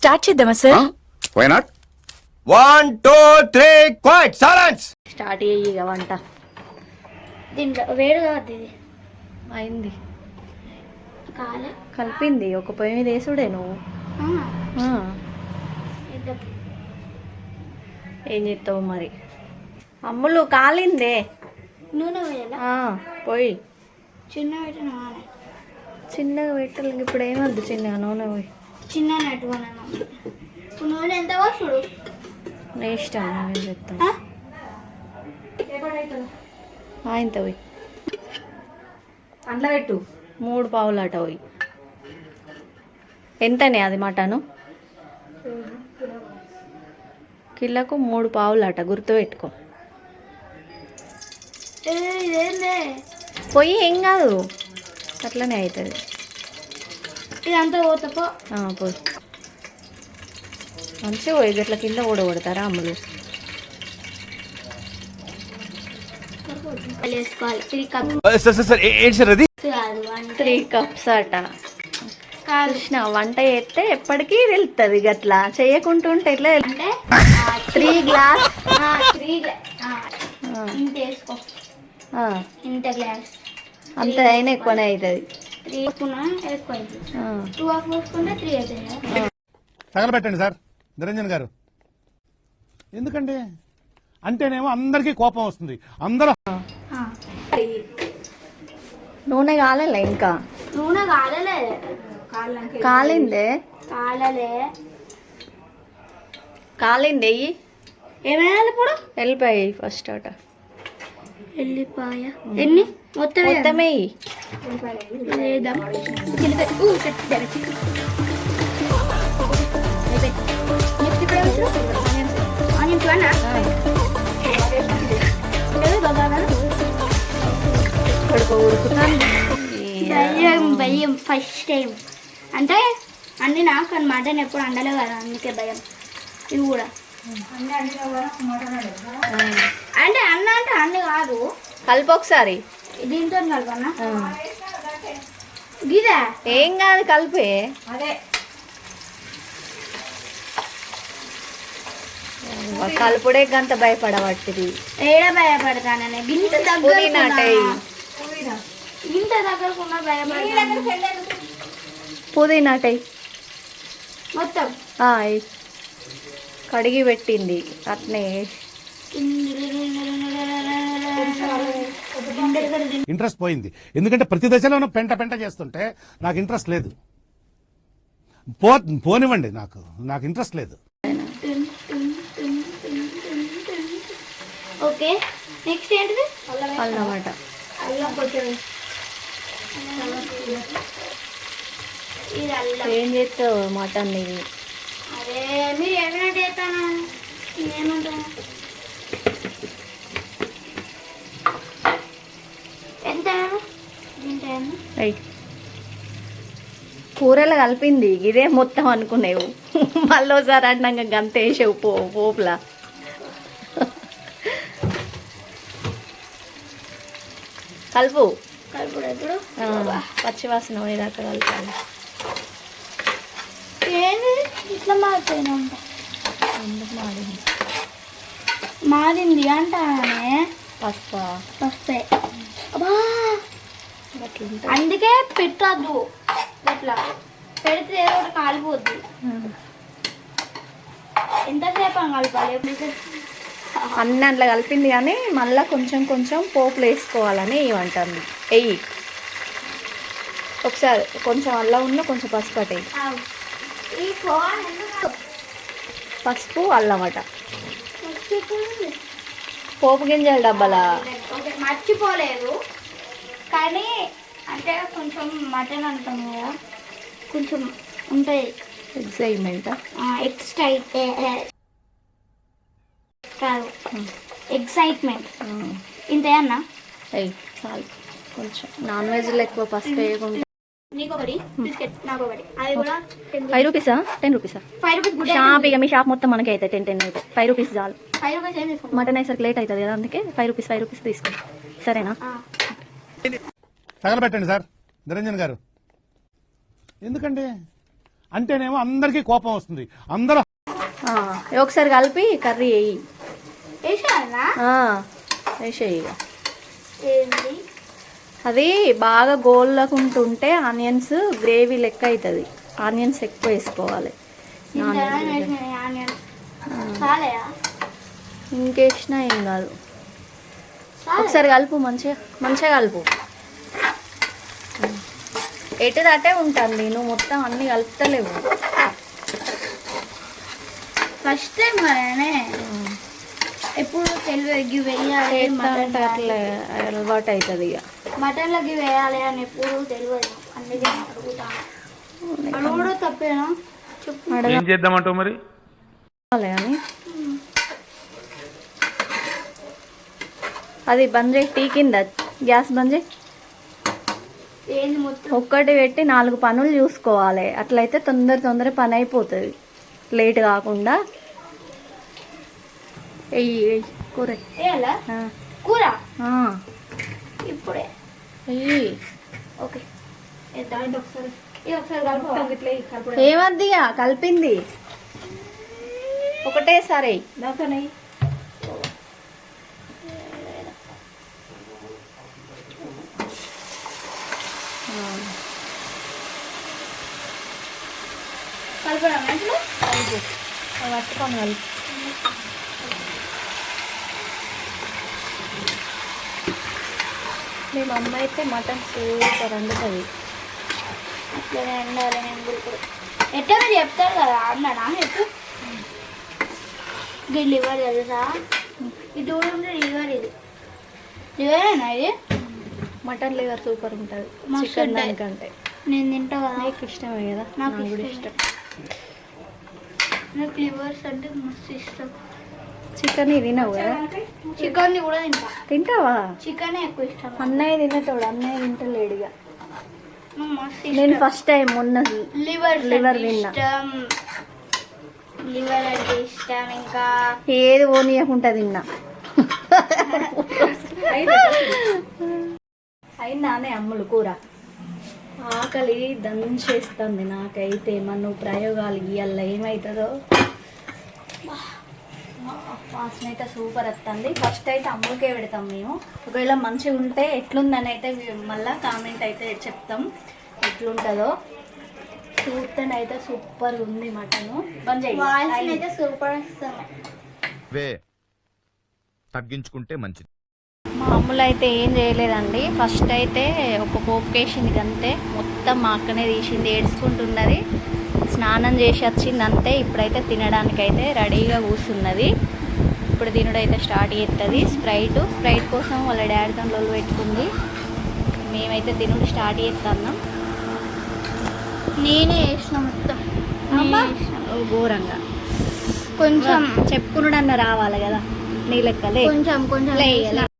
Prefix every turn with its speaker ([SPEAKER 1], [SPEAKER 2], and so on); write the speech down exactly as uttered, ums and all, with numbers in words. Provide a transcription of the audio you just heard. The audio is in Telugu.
[SPEAKER 1] స్టార్ట్ చేద్దామా sir?
[SPEAKER 2] Why not? One two three quiet silence.
[SPEAKER 3] Start అయ్యి ఇక వంట
[SPEAKER 4] దీంట్లో వేడి కాదు ఇది
[SPEAKER 3] అయింది
[SPEAKER 4] కాలే
[SPEAKER 3] కలిపింది ఒక పొయ్యి మీద వేసుడే నువ్వు. ఆ. ఏం చేస్తావు మరి? అమ్ములు కాలిందే.
[SPEAKER 4] నూనె వేయాలా?
[SPEAKER 3] ఆ, పోయి
[SPEAKER 4] చిన్న పెట్టిన
[SPEAKER 3] చిన్నగా పెట్టాలి. ఇప్పుడు ఏమద్దు చిన్నగా నూనె పోయి
[SPEAKER 4] చిన్న పెట్టుకున్నాను. ఇప్పుడు నూనె ఎంత చూడు
[SPEAKER 3] నీ ఇష్టం. నేను చెప్తాను ఇంత పోయి
[SPEAKER 1] అందులో పెట్టు.
[SPEAKER 3] మూడు పావులు అట పోయి. ఎంతనే అది మటను? కిలోకు మూడు పావులు అట, గుర్తుపెట్టుకో.
[SPEAKER 4] ఇదేందే
[SPEAKER 3] పొయ్యి ఏం కాదు, అట్లనే అవుతుంది.
[SPEAKER 4] ఇదంతా పోతపో
[SPEAKER 3] పోయి మంచిగా పోయి గట్ల కింద కూడా కొడతారా అమ్ములు?
[SPEAKER 4] వేసుకోవాలి త్రీ కప్
[SPEAKER 3] త్రీ కప్స్ అట. కృష్ణ వంట చేస్తే ఎప్పటికీ తెలుస్తుంది. గట్లా చేయకుంటుంటే ఎట్లా?
[SPEAKER 4] అంటే
[SPEAKER 3] త్రీ గ్లాస్
[SPEAKER 4] త్రీ ఇంత వేసుకో. ఇంత గ్లాస్
[SPEAKER 3] అంత అయినా ఎక్కువనే అవుతుంది.
[SPEAKER 4] త్రీ వేసుకున్నా ఎక్కువ అవుతుంది. టూ హాఫ్ వేసుకుంటే త్రీ అవుతుంది.
[SPEAKER 5] తగలబెట్టండి సార్ నిరంజన్ గారు. ఎందుకండి అంటేనేమో అందరికీ కోపం వస్తుంది. అందరూ
[SPEAKER 3] నూనె కాలలే ఇంకా?
[SPEAKER 4] నూనె కాలలే.
[SPEAKER 3] కాలిందే
[SPEAKER 4] కాలలే
[SPEAKER 3] కాలింది.
[SPEAKER 4] ఏమైనా ఇప్పుడు
[SPEAKER 3] వెళ్ళిపోయి ఫస్ట్ అట.
[SPEAKER 4] ఎల్లిపాయ ఎన్ని మొత్తం
[SPEAKER 3] మొత్తమే
[SPEAKER 4] వేద్దాం. భయం భయం ఫస్ట్ టైం అంటే అన్ని నాకు అని మటన్ ఎప్పుడు అండలే కదా, అందుకే భయం. ఇవి కూడా అంటే అన్న అంటే అన్ని కాదు.
[SPEAKER 3] కలిపి ఒకసారి
[SPEAKER 4] దీంతో కలపన్నా గిదా
[SPEAKER 3] ఏం కాదు కలిపి.
[SPEAKER 4] అదే
[SPEAKER 3] కలుపుడే గంత భయపడబట్టిది.
[SPEAKER 4] ఏడ భయపడతాననే గింత
[SPEAKER 3] పుదీనా
[SPEAKER 4] ఇంత దగ్గరకున్నా భయపడతాను.
[SPEAKER 3] పుదీనా
[SPEAKER 4] మొత్తం
[SPEAKER 3] కడిగి పెట్టింది అట్నే.
[SPEAKER 5] ఇంట్రెస్ట్ పోయింది. ఎందుకంటే ప్రతి దశలోనూ పెంట పెంట చేస్తుంటే నాకు ఇంట్రెస్ట్ లేదు. పో పోనివ్వండి, నాకు నాకు ఇంట్రెస్ట్ లేదు.
[SPEAKER 4] ఓకే నెక్స్ట్ ఏంటిది?
[SPEAKER 3] అన్నమాట.
[SPEAKER 4] అల్లం కొంచెం ఇది అల్లం.
[SPEAKER 3] ఏం చేస్తావు మటన్ ఇది?
[SPEAKER 4] అదే మీరు ఏమైనా చేస్తాను ఏమంటాను. ఎంత
[SPEAKER 3] అయ్యి కూరలు కలిపింది ఇదే మొత్తం అనుకునేవు. మళ్ళీ ఒకసారి అన్నాక గంత వేసావు పో పోపులా. కలుపు
[SPEAKER 4] కలుపుడు ఎప్పుడు
[SPEAKER 3] పచ్చివాసన పోయేదాకా కలపాలి.
[SPEAKER 4] ఏంది ఇట్లా మారిపోయినా ఉంటా?
[SPEAKER 3] మాడింది
[SPEAKER 4] మారింది అంటానే.
[SPEAKER 3] పసుపా?
[SPEAKER 4] పసుపే. అబ్బా అందుకే పెట్టద్దు. ఇట్లా పెడితే ఏదో ఒకటి కాలిపోద్ది. ఎంతసేపు అని కలపాలి?
[SPEAKER 3] అన్నీ అట్లా కలిపింది కానీ మళ్ళీ కొంచెం కొంచెం పోపులు వేసుకోవాలని ఇవ్వంటుంది. వెయ్యి ఒకసారి కొంచెం అల్లం ఉన్న కొంచెం పసుపు అట. పసుపు అల్లం అట. పోపు గింజల డబ్బాలా?
[SPEAKER 4] మర్చిపోలేదు కానీ అంటే కొంచెం మటన్ అంటాం కదా, కొంచెం ఉంటాయి
[SPEAKER 3] ఎక్సైట్మెంట్.
[SPEAKER 4] ఎక్స్టైట్ కాదు ఎక్సైట్మెంట్. ఇంత అన్నా
[SPEAKER 3] అయ్యి చాలు. కొంచెం నాన్ వెజ్లో ఎక్కువ పసుపు వేయకుండా.
[SPEAKER 4] నీకు ఒకటి బిస్కెట్, నాకు ఒకటి. అది కూడా
[SPEAKER 3] ఫైవ్ రూపీసా టెన్ రూపీసా?
[SPEAKER 4] Five rupees.
[SPEAKER 3] షాప్ ఇక మీ షాప్ మొత్తం మనకి అయితే టెన్ టెన్ అయితే ఫైవ్ రూపీస్ చాలు.
[SPEAKER 4] ఫైవ్ రూపీస్ ఏం తీసుకో.
[SPEAKER 3] మటన్ వేసరికి లేట్ అవుతుంది కదా, అందుకే ఫైవ్ రూపీస్ ఫైవ్ రూపీస్ తీసుకో. సరేనా?
[SPEAKER 5] తగలబెట్టండి సార్ నిరంజన్ గారు. ఎందుకండి అంటేనేమో అందరికీ కోపం వస్తుంది. అందరూ
[SPEAKER 3] ఆ, ఒకసారి కలిపి కర్రీ వేయి.
[SPEAKER 4] వేసానా
[SPEAKER 3] వేసేయి ఇక.
[SPEAKER 4] ఏంటి
[SPEAKER 3] అది బాగా గోళ్ళకుంటుంటే ఆనియన్స్ గ్రేవీ లెక్క అవుతుంది. ఆనియన్స్ ఎక్కువ వేసుకోవాలి.
[SPEAKER 4] ఇంతగా వేసినాయి ఆనియన్ చాలయా
[SPEAKER 3] ఇంకేసినా ఏం కాదు. ఒకసారి కలుపు, మంచిగా మంచిగా కలుపు. ఎటు దాటే ఉంటుంది, నువ్వు మొత్తం అన్ని కలుపుతలేవు.
[SPEAKER 4] ఫస్ట్ టైం కదనే ఎప్పుడు తెలివి వేయాలి మటన్
[SPEAKER 3] అట్లా అలవాటు అవుతుంది ఇక.
[SPEAKER 4] మటన్లకి వేయాలి అని ఎప్పుడు తెలియదు, అందుకే అడుగుతాను. అడుగుడు తప్పేనా చెప్పు.
[SPEAKER 1] ఏం చేద్దామంటావు మరి?
[SPEAKER 3] అని అది బంద్ చేయి, టీ కింద గ్యాస్ బంద్ చేయి.
[SPEAKER 4] ఏంది మొత్తం
[SPEAKER 3] ఒక్కటి పెట్టి నాలుగు పనులు చూసుకోవాలి. అట్లయితే తొందర తొందర పని అయిపోతుంది, లేట్ కాకుండా. ఎయ్యి ఎయ్యి కూర
[SPEAKER 4] వేయాలా
[SPEAKER 3] ఆ,
[SPEAKER 4] కూర
[SPEAKER 3] ఆ,
[SPEAKER 4] ఇప్పుడే
[SPEAKER 3] ఎయ్యి.
[SPEAKER 4] ఓకే వేద్దాం. ఇది ఒకసారి ఇది ఒకసారి కలుపు.
[SPEAKER 3] ఏమద్దిగా కలిపింది ఒకటేసారి.
[SPEAKER 4] దాకనై కలపడం ఇంట్లో
[SPEAKER 3] పట్టుకొని కలిపి. మేము అమ్మ అయితే మటన్ సూపర్ వండుతుంది.
[SPEAKER 4] అట్లనే ఉండాలి. నేను కూడా ఇప్పుడు ఎట్లా మీరు చెప్తారు కదా అన్నాడా ఎప్పుడు ఇది లివర్ తెలుసా? ఇది కూడా ఉంటే లివర్, ఇది లివరేనా? ఇది
[SPEAKER 3] మటన్ లివర్ సూపర్ ఉంటుంది
[SPEAKER 4] మస్తు
[SPEAKER 3] చికెన్
[SPEAKER 4] ఉంటాయి.
[SPEAKER 3] దానికంటే.
[SPEAKER 4] నేను తింటా కదా,
[SPEAKER 3] నీకు ఇష్టమే కదా,
[SPEAKER 4] నాకు
[SPEAKER 3] నాకు కూడా
[SPEAKER 4] ఇష్టమే.
[SPEAKER 3] ఇష్టం.
[SPEAKER 4] నాకు లివర్స్ అంటే మస్తు ఇష్టం.
[SPEAKER 3] చికెన్ తినవు కదా?
[SPEAKER 4] చికెన్ కూడా తింటా.
[SPEAKER 3] తింటావా?
[SPEAKER 4] చికెన్ ఎక్కువ ఇష్టం.
[SPEAKER 3] అన్నయ్య తినేటోడు, అన్నయ్య తింటలేడుగా.
[SPEAKER 4] నాకు మస్తు
[SPEAKER 3] నేను
[SPEAKER 4] ఇష్టం.
[SPEAKER 3] ఫస్ట్ టైం మొన్న
[SPEAKER 4] లివర్
[SPEAKER 3] లివర్
[SPEAKER 4] అంటే
[SPEAKER 3] తిన్నా.
[SPEAKER 4] ఇష్టం. లివర్ అంటే ఇష్టం. ఇంకా
[SPEAKER 3] ఏది ఓనియకుండా తిన్నా. అయిందానే అమ్ములు కూర? ఆకలి దంచేస్తుంది నాకైతే. మన ప్రయోగాలు ఇవాళ ఏమవుతుందో. వాసన అయితే సూపర్ వస్తుంది. ఫస్ట్ అయితే అమ్ములకే పెడతాం మేము. ఒకవేళ మంచిగా ఉంటే ఎట్లుందని అయితే మళ్ళీ కామెంట్ అయితే చెప్తాం ఎట్లుంటుందో. చూస్తేనైతే సూపర్ ఉంది మటను.
[SPEAKER 4] వాయిస్ అయితే సూపర్ వస్తుంది.
[SPEAKER 2] వే తగ్గించుకుంటే మంచిది.
[SPEAKER 3] మా అమ్ములు అయితే ఏం చేయలేదండి. ఫస్ట్ అయితే ఒక పోపు వేసింది అంతే, మొత్తం మా అక్కనే తీసింది, ఏడ్చుకుంటున్నది. స్నానం చేసి వచ్చింది అంతే. ఇప్పుడైతే తినడానికైతే రెడీగా కూర్చున్నది. ఇప్పుడు తినుడైతే స్టార్ట్ చేస్తుంది. స్ప్రైట్ స్ప్రైట్ కోసం వాళ్ళ డాడీ తనలో పెట్టుకుంది. మేమైతే తినుడు స్టార్ట్ చేస్తున్నాం.
[SPEAKER 4] నేనే వేసిన మొత్తం.
[SPEAKER 3] అబ్బా,
[SPEAKER 4] నేనే వేసిన.
[SPEAKER 3] ఓ ఘోరంగా
[SPEAKER 4] కొంచెం
[SPEAKER 3] చెప్పుకున్నాడన్న రావాలి కదా నీ లెక్కలే.
[SPEAKER 4] కొంచెం కొంచెం
[SPEAKER 3] లే,
[SPEAKER 4] వేసిన.